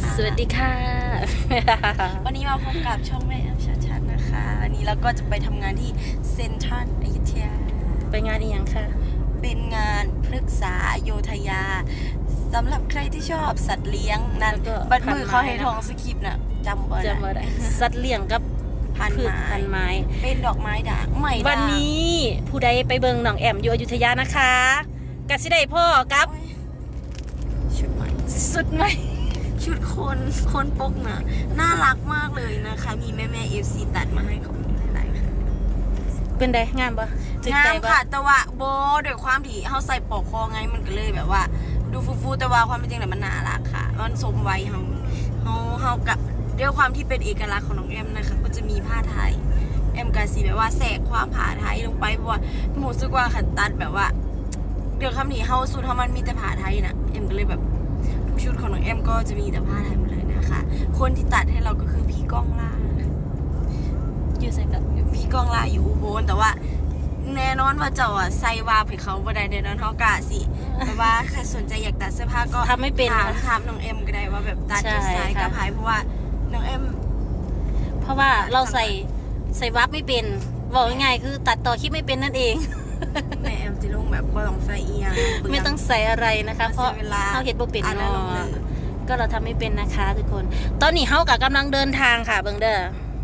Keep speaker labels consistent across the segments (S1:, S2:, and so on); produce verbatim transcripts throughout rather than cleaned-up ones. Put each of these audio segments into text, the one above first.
S1: สวัสดีค่ะ
S2: วันนี้มาพบกับช่องแม่แอมชัดๆนะคะวันนี้เราก็จะไปทำงานที่เซ็นทรัลอยุธยา
S1: ไปงานอีกอย่างค่ะ
S2: เป็นงานพฤกษาโยธยาสำหรับใครที่ชอบสัตว์เลี้ยงนั่นบัดมือเขาให้ทองสคริปต์น่ะจำบ่ได้
S1: จำบ่ได้สัตว์เลี้ยงกับ
S2: พัน
S1: พืช
S2: ไม้
S1: พันไม้
S2: เป็นดอกไม้ด่างใหม่ด่าง
S1: วันนี้ผู้ใดไปเบิงหนองแอมอยู่อยุธยานะคะกสิได้พ่อกับ
S2: ชุดใหม่
S1: สุดใหม่
S2: ชุดคนคนปกน่ะน่ารักมากเลยนะคะมีแม่แม่เอฟซีตัดมาให้ขอบคุณหลายๆค่ะ
S1: เป็นไดงามปะจึก
S2: งา
S1: ใจ
S2: ม
S1: ปะ
S2: ค่ะแต่ว่าโบด้วยความที่เขาใส่ปอกคอไงมันก็เลยแบบว่าดูฟูๆแต่ว่าความเป็นจริงเนี่ยมันน่ารักค่ะมันสมวัยเขาเขาเขากับด้วยความที่เป็นเอกลักษณ์ของน้องแอมนะคะก็จะมีผ้าไทยแอมกาซีแบบว่าแสกความผ้าไทยลงไปเพราะว่าหมูสึกว่าขันตัดแบบว่าเดี๋ยวคำนี้เขาสูตรเขามันมีแต่ผ้าไทยนะแอมก็เลยแบบทุกชุดของน้องแอมก็จะมีแต่ผ้าไทยหมดเลยนะคะคนที่ตัดให้เราก็คือพี่ก้องล่า
S1: อยู่ใส่กับ
S2: พี่ก้องล่าอยู่อุบลแต่ว่าแน่นอนว่าเจ้าอ่ะใส่วาบให้เขาบ่ได้แน่นอนเขากะสิแต่ว่าใครสนใจอยากตัดเสื้อผ้าก็
S1: ทำไม่เป็น
S2: ถามถามน้องเอ็มก็ได้ว่าแบบตัดจะสายกับไผ่เพราะว่าน้องเอ็ม
S1: เพราะว่าเราใส่ใส่วับไม่เป็นบอกง่ายๆคือตัดต่อคลิปไม่เป็นนั่นเอง
S2: แม่เอ็มจะลงแบบบ่ต้องใส่เอียง
S1: ไม่ต้องใส่อะไรนะคะ เพราะเขาเห็ดบ่เป็น
S2: อ่านแล้ว
S1: เนา
S2: ลงเลย
S1: ะก็เราทำไม่เป็นนะคะทุกคน ตอนนี้เฮากับกำลังเดินทางค่ะเบิงเด้อ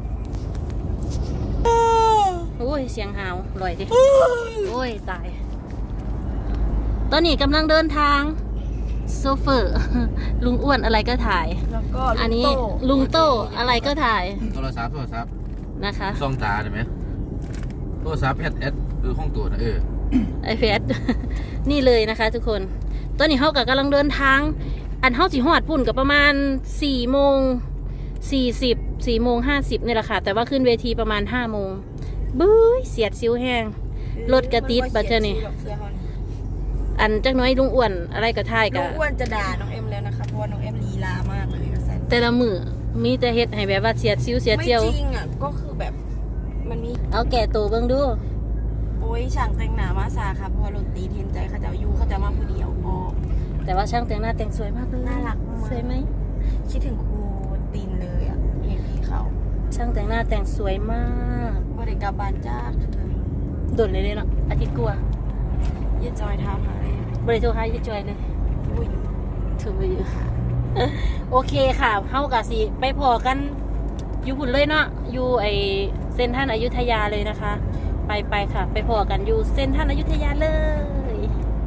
S1: โอ้ยเสียงหาวลอยดิโอ้ยตาย ตอนนี้กำลังเดินทางโซเฟอร์ ลุงอ้วนอะไรก็ถ่าย
S2: แล้วก็
S1: อันนี้ลุงโต้อะไรก็ถ่าย
S3: โทรศัพท์โทรศัพท์
S1: นะคะ
S3: ส่องตาได้ไหมโทรศัพท์เอสเอสคือห้องตัวนะเออ
S1: ไอเพด นี่เลยนะคะ ทุกคน ตอนนี้เฮากับกำลังเดินทาง อันเฮาสิฮอดพุ่นกับประมาณสี่โมงสี่สิบสี่โมงห้าสิบนี่แหละค่ะ แต่ว่าขึ้นเวทีประมาณห้าโมงบื้อเสียดซิ้วแห้งรถกระติดบัดเจ้านี่อันจักน้อยลุงอ้วนอะไรก็ถ่าย
S2: น้
S1: กั
S2: องอ้วนจะด่าน้องเอ็มแล้วนะคะเพราะว่าน้องเอ็มลีลามากเลยก็แซน
S1: แต่ละมือมีแต่เฮ็ดให้แบบว่าเสียดซิ้วเสียด
S2: ไม่
S1: เจียว
S2: จริงอ่ะก็คือแบบมันมี
S1: เอาแก่ตัวเบิ่งดู
S2: โอ้ยช่างแต่งหน้ามาซาค่ะเพราะว่ารถตีเทนใจเขาจะอยู่เขาจะมาผู้เดียวพอ
S1: แต่ว่าช่างแต่งหน้าแต่งสวยมากเลย
S2: น่ารักมาก
S1: สวยไหม
S2: คิดถึงครูตีนเลยอ่ะเห็นพี่เขา
S1: ช่างแต่งหน้าแต่งสวยมาก
S2: ว่าเด็กกลับบ้านจ้า
S1: โดดเลยเลยเนาะอาทิตย์กลัว
S2: ยืดจอยเท้าหาย
S1: บริโทรหายี่จอยเลย
S2: อุ้ย
S1: ถือไปอยู่ค่ะ โอเคค่ะเฮากะสิไปพอกันอยู่หุ่นเลยเนาะอยู่ไอเส้นท่านอยุธยาเลยนะคะ ไปไปค่ะ ไปพอกันอยู่เส้นท่านอยุธยาเลย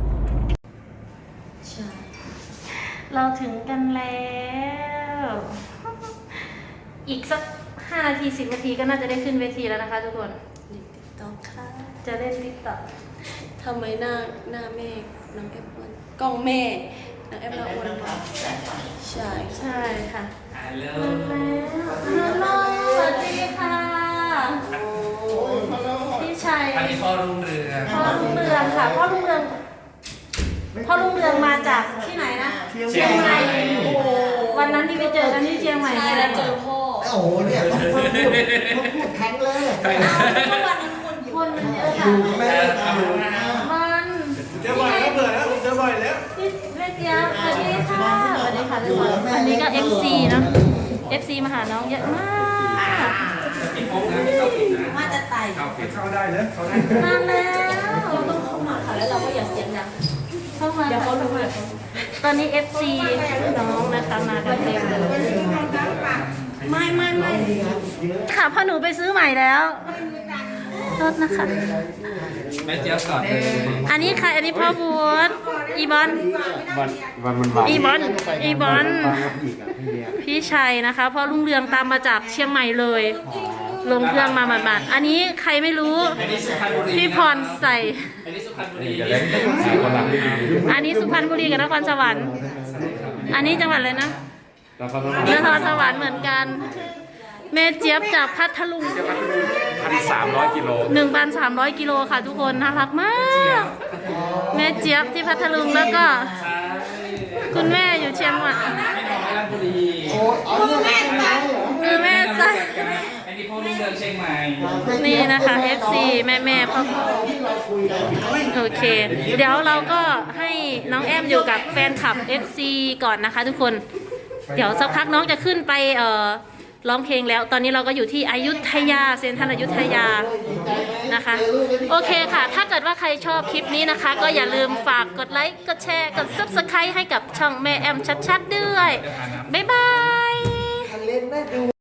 S1: เราถึงกันแล้ว อีกสักห้านาทีสิบนาทีก็น่าจะได้ขึ้นเวทีแล้วนะคะทุกคน
S2: ลิปติ๊กต็อกค่ะ
S1: จะเล่นติ๊กต็อก
S2: ทำไมหน้าหน้าแม่น้องแอปเปิ้ลกล้องแม่น้องแอปน้องอ้วนมากใช่
S1: ใช่ค่ะฮัลโหลฮัลโหลสวัสดีค่ะพี่ชัย
S4: อันนี้พ่อรุ่งเรือง
S1: พ่อลุงเรืองค่ะพ่อลุงเรืองพ่อลุงเรืองมาจากที่ไหนนะ
S4: เชียงใหม่
S1: โอ้วันนั้นที่ไปเจอกันที่เชียงใหม่
S2: ใช่แล้วเจอพ่อ
S5: โอ้โหเนี่ยต้องพูดต้องพูดครั้งแรก
S2: เมื่อวันนั้นคนอยู่
S1: คนมันเยอะ
S5: อ
S1: ค่ะ
S5: ยู่แม่ทำ
S1: มัน
S4: เจอบ่อยแล้วเบื่อแล้วเจอบ่อยแล้ว
S1: พี่แม่เจี๊ยบสวัสดีค่ะสวัสดีค่ะทุกคนอันนี้ก็ เอฟ ซี เนาะ เอฟ ซี มาหาน้องเยอะมาก
S4: ติดโป๊กนะไม่เข้าผิดนะ
S2: ว่าจะไต่
S4: เข้าผิดเข้าได้เลยเข้าได้
S1: นานแล้ว
S2: เราต้องเข้ามาค่ะแล้วเราก็อย่าเสียงดัง
S1: เข้ามาเดี๋ยวเขารู้เลยตอนนี้ เอฟ ซี น้องนะคะมากันเต็มเลย
S2: ไม่ไม่ไม่
S1: ค่ะพ่อหนูไปซื้อใหม่แล้วรถนะคะ
S4: แม่เจี๊ยบก่อนเลย
S1: อันนี้ใครอันนี้พ่อบูธอีบอล
S3: วันวันมัน
S1: อีบอลอีบอลพี่ชัยนะคะพ่อลุงเรืองตามมาจากเชียงใหม่เลย ลงเครื่องมาหมาดๆอันนี้ใครไม่รู้
S4: อันนี้สุพรรณบุรี
S1: พี่พรใส่
S4: อันนี้สุพรรณบุรี
S1: อันนี้สุพรรณบุรีกับนครสวรรค์ อันนี้จังหวัดอะไรนะนครสวรรค์เหมือนกัน แม่เจี๊ยบจากพัทลุง
S3: พันสามร้อยกิโล
S1: หนึ่งพันสามร้อยกิโลค่ะทุกคนน่ารักมากแม่เจี๊ยบที่พัทลุงแล้วก็คุณแม่อยู่เชียงใหม่
S4: สุพรรณบุรี
S5: โอ้เอาเรื่องอะไรเหรอ
S1: คือแม่ใส่
S4: อันนี้พ่อรุ่งเรืองเชียงใหม่
S1: นี่นะคะ เอฟ ซี แม่แม่พ่อพ่อโอเค เดี๋ยวเราก็ให้น้องแอมอยู่กับแฟนคลับ เอฟ ซี ก่อนนะคะทุกคนเดี๋ยวสักพักน้องจะขึ้นไปเอ่อร้องเพลงแล้ว ตอนนี้เราก็อยู่ที่อยุธยาเซ็นทรัลอยุธยานะคะ โอเคค่ะ ถ้าเกิดว่าใครชอบคลิปนี้นะคะ ก็อย่าลืมฝากกดไลค์ กดแชร์ กด ซับสไครบ์ ให้กับช่องแม่แอมชัดๆด้วย บ๊ายบาย
S5: คันเล่นน่าดู